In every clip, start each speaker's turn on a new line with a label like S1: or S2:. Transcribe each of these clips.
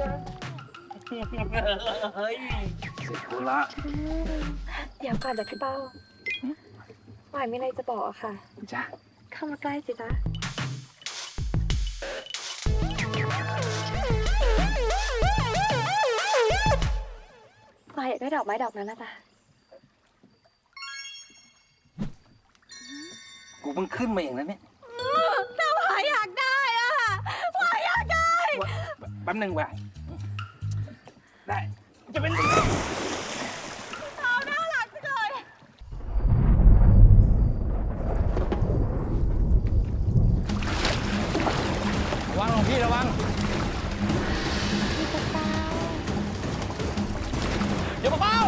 S1: เฮ้ยเสร็จกูละ
S2: เดี๋ยวก่อนจากพี่เป้าหวายมีอะไรจะบอกอะค่ะ
S1: จ้ะ
S2: เข้ามาใกล้สิจ๊ะหวายอยากได้ดอกไม้ดอกนั้นนะจ๊ะ
S1: กูเพิ่งขึ้นมาเองนะเนี่ย
S2: แต่หวายอยากได้อะหวายอยากได้
S1: แป๊บนึงว่ะได้จะเป็น
S2: เอาน่ารักจังเลย
S1: ระวังหลวงพี่ระวัง
S2: พี่เป้า
S1: อย่ามาเป้า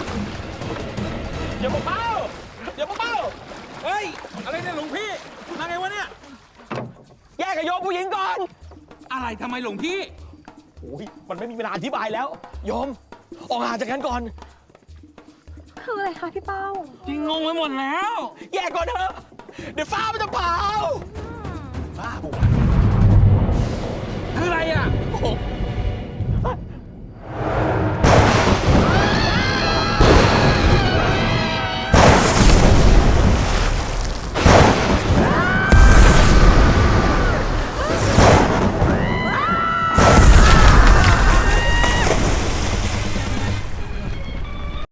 S1: อย่ามาเป้าอย่ามาเป้าเฮ้ยอะไรเนี่ยหลวงพี่มาไงวะเนี่ยแยกกับโยมผู้หญิงก่อนอะไรทำไมหลวงพี่โอ้ยมันไม่มีเวลาอธิบายแล้วโยมออกห่างจากกันก่อน
S2: คืออะไรคะพี่เป้า
S1: จริงงงไปหมดแล้ว แยกก่อนเถอะเดี๋ยวฟ้ามันจะเผาบ้าบุ๋คืออะไรอ่ะโอ้โห